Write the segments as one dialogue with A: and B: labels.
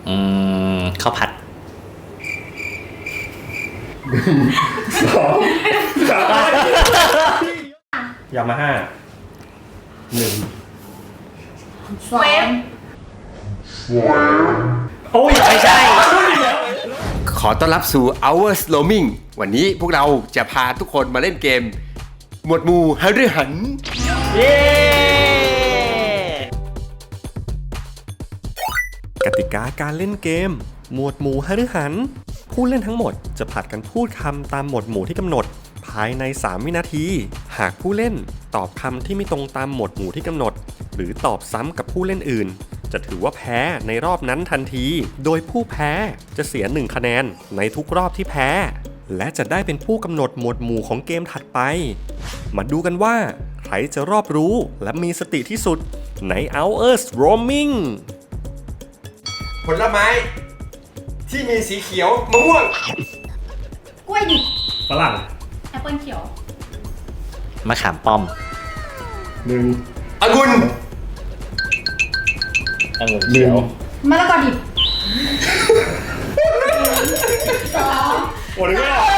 A: ข้าวผัด
B: ยามาฮ่า1
C: เวฟ
B: โอ้ยไม่ใช่
D: ขอต้อนรับสู่ Hours Roaming วันนี้พวกเราจะพาทุกคนมาเล่นเกม หมวดหมู่หฤหัน
A: เย้
B: กติกาการเล่นเกม หมวดหมู่หฤหันผู้เล่นทั้งหมดจะผลัดกันพูดคำตามหมวดหมู่ที่กำหนดภายใน3 วินาทีหากผู้เล่นตอบคำที่ไม่ตรงตามหมวดหมู่ที่กำหนดหรือตอบซ้ำกับผู้เล่นอื่นจะถือว่าแพ้ในรอบนั้นทันทีโดยผู้แพ้จะเสีย1 คะแนนในทุกรอบที่แพ้และจะได้เป็นผู้กำหนดหมวดหมู่ของเกมถัดไปมาดูกันว่าใครจะรอบรู้และมีสติที่สุดใน Hours Roaming
D: ผลไม้ที่มีสีเขียวมะม่วง
C: กล้วยดิบ
B: ฝรั่ง
C: แอปเปิลเขียว
A: มะขามป้อม
D: องุ่น
A: องุ่นเขียว
C: มะละกอดิบ2
B: โอ้ยไม่ออก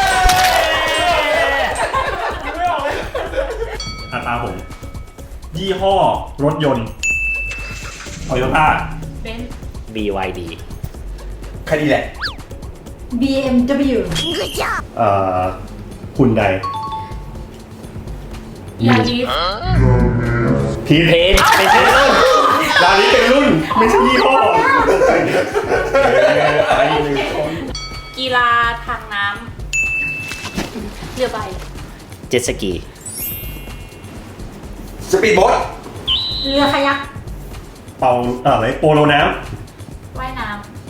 B: ไม่ออกเลยตาผมยี่ห้อรถยนต์โตโยต้า
C: เบนซ์
A: BYD
D: แค่นี้แหละ
C: BMW
B: หุ่นใด
C: ยาริส
B: พีท
A: เพนเป็นชื่อรุ่น
B: ร้านนี้เป็นรุ่นไม่ใช่ยี่ห้อไอ้หนึ่งคน
C: กีฬาทางน้ำเรือใบ
A: เจ็ตสกี
D: สปีดโบ๊ท
C: เรือคายัก
B: เป่าอะไรโปโลน้
C: ว่ายน้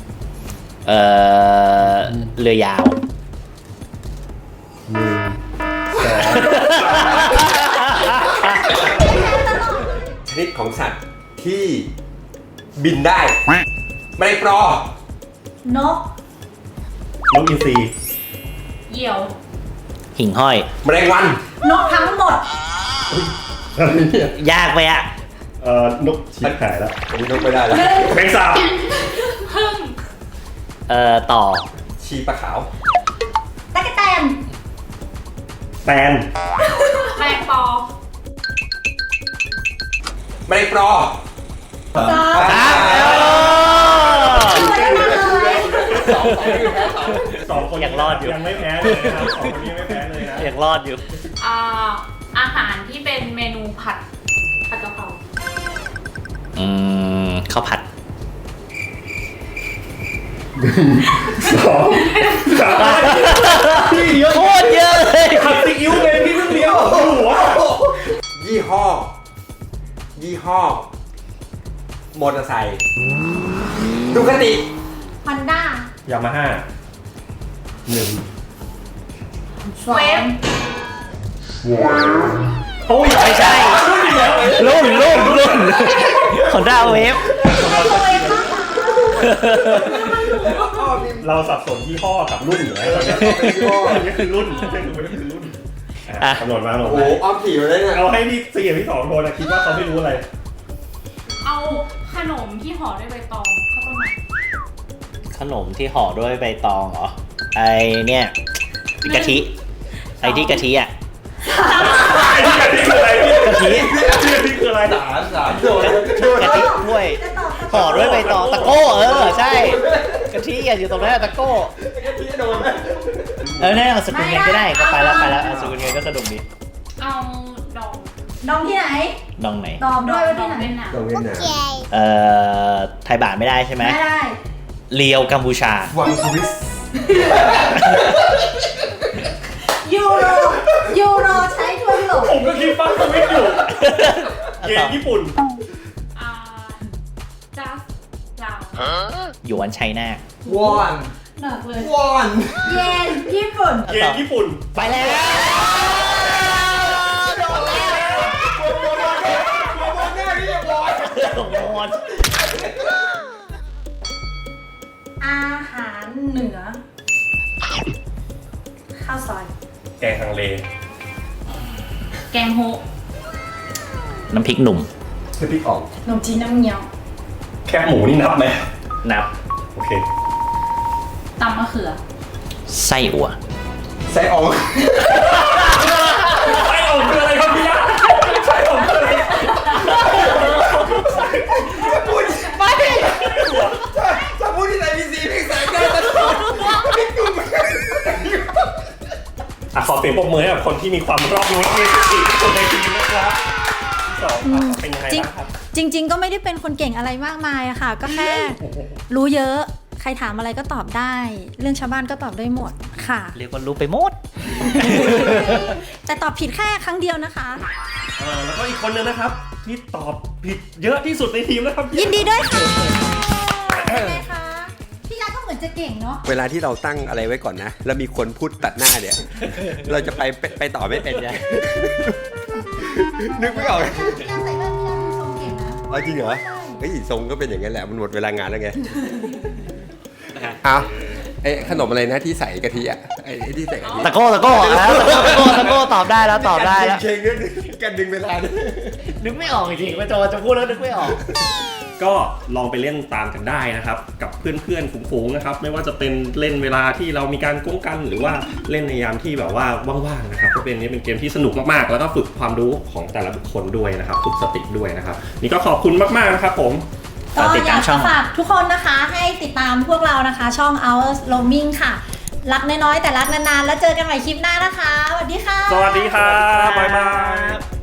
A: เรือยาว
D: ชนิดของสัตว์ที่บินได้แมลงปอ
C: ำนก
B: ำนกอินทรี
C: เหยี่ยว
A: หิ่งห้อย
D: แมลงวัน
C: นกทั้งหมด
B: อะไรเนี่ย
A: ยากไปอะ
B: นกชีขายแล้ว
D: อันนี้นกไม่ได้แล้ว
B: แมงสาบ
C: พึ่ง
A: ต่อ
D: ชีปลาขาว
C: ตะกแตน
B: แตน
C: แมงปอ
D: แมลงปอ
C: สอง
B: สองคน
A: ยังรอดอยู่
B: ยังไม่แพ้เลยนะครับสองคนนี้ไม่แพ้เลยนะ
A: ยังรอดอยู่
C: อาหารที่เป็นเมนูผัดกะเพรา
A: ข้าวผัด
B: พี่เยอะ
A: โคตรเยอะเลย
B: ขัดซีอิ๊วเลยพี่เพิ่งเลี้ยวหัว
D: ยี่ห้อมอเตอร์ไซค์ดูคติ
C: ฮอนด้าย
B: ามาฮ่า1
C: เวฟ
B: โอ้ย
A: ไม่ใช่ รุ่นของด้าเวฟ
B: เราสับสนยี่ห้อกับรุ่นอยู่แล้วตอนนี้อันนี้คือรุ่นกำหนดมา
D: โอ้โหอ้อมขี่มาเลยเนี่ย
B: เอาให้พี่4กับพี่2คนนะคิดว่าเขาไม่รู้อะไร
C: เอาขนมที่ห่อด้วยใบตองข้าวต้มมัด
A: ขนมที่ห่อด้วยใบตองเหรอ ไอเนี่ยกะทิ ไอที่กะทิอ่ะ
B: ไอ้ที่กะทิคืออะไร
A: กะทิ
B: กะทิคืออะไร
D: สามโดน
A: กะทิถ้วยห่อด้วยใบตองตะโก้ใช่กะทิอะอยู่ตรงนั้นตะโก้เนี่ยเอาสกุลเงินก็ได้ก็ไปแล้วเอาสกุลเงินก็สนุกดี
C: เอาดอง
E: ดองที่ไหน
A: ดองไหน
E: ตอบด้วยว่าที่ไหน
C: เวียดนาม
D: ตรงเวียดนาม
A: ไทยบาทไม่ได้ใช่ไหม
E: ไม่ได้
A: เลียวกัมพูชา
D: วังสวิส
E: ยูโรใช้ทั่วยุโรป
B: ผมก็คิดฟังสวิตอยู่เย็นญี่ปุ่น
C: จัสลาว
A: หยวนไชน่าว
D: อน
C: หนักเลย
D: วอน
E: เยนญี่ปุ่น
B: เย็นญี่ปุ่น
A: ไปแล้วโดนแล้ว
E: อาหารเหนือ ข้าวซอย
B: แกงฮังเล
C: แกงโฮะ
A: น้ำพริกหนุ่ม
D: คือพริกอ่อง
E: ขนมจีนน้ำเงี้ยว
B: แคบหมูนี่นับไหม
A: นับ
B: โอเค
C: ตำมะเขือ
A: ไส้อั่ว
D: ไส้อ่อง
B: ไส้อ่องคืออะไรครับพี่ยะไส้อ่องคืออะไร
C: ไม่
D: ถ้าพูดที่ไหนมีสีเพลงแสงได้ตลอดไม่ดูเหมือนกัน
B: ขอเสียงปรบมือให้กับคนที่มีความรอบรู้และมีสติที่สุดในทีมนะครับที่สองเป็นยังไงบ้างครับ
F: จริง ๆ ก็ไม่ได้เป็นคนเก่งอะไรมากมายอะค่ะ ก็แค่รู้เยอะใครถามอะไรก็ตอบได้ เรื่องชาวบ้านก็ตอบได้หมดค่ะ
A: เรียกว่ารู้ไปหมด
F: แต่ตอบผิดแค่ครั้งเดียวนะคะ
B: แล้วก็อีกคนนึงนะครับ ที่ตอบผิดเยอะที่สุดในทีมนะครับ
F: ยินดีด้วยค่ะเป็นไงคะพี่ยาก็เหมือนจะเก่งเนาะ
D: เวลาที่เราตั้งอะไรไว้ก่อนนะ แล้วมีคนพูดตัดหน้าเนี่ย เราจะไปต่อไม่เป็นไง นึกไม่ออก
F: พี่ยาใส่แว่นพี่ยาดูทรงเก่งนะ
D: เอาจริงเหรอ เฮ้ยทรงก็เป็นอย่างนั้นแหละ มันหมดเวลางานแล้วไงเอาไอ้ขนมอะไรนะที่ใส่กะทิอ่ะไอ้ที่ใส่กะทิ
A: ตะโก้ตะโก้ตอบได้แล้วตอบได้แล้ว
D: เชงกันดึงเวลาเนี่ย
A: นึกไม่ออกจริงๆว่าจะพูดแล้วนึกไม่ออก
B: ก็ลองไปเล่นตามกันได้นะครับ กับเพื่อนๆฝูงๆนะครับ ไม่ว่าจะเป็นเล่นเวลาที่เรามีการก้งกันหรือว่าเล่นในยามที่แบบว่าว่างๆนะครับก็เป็นเกมที่สนุกมากๆแล้วก็ฝึกความรู้ของแต่ละบุคคลด้วยนะครับฝึกสติด้วยนะครับนี่ก็ขอบคุณมากๆนะครับผม
F: ก็
A: ติด
F: อ
A: ตาย
F: าม ก
A: ช่อ
F: จะ
A: ง
F: ฝากทุกคนนะคะให้ติดตามพวกเรานะคะ ช่อง Hours Roaming ค่ะ รักน้อยๆแต่รักนานๆ แล้วเจอกันใหม่คลิปหน้านะคะ สวัสดีค่ะ
B: สวัสดีครับบ๊ายบาย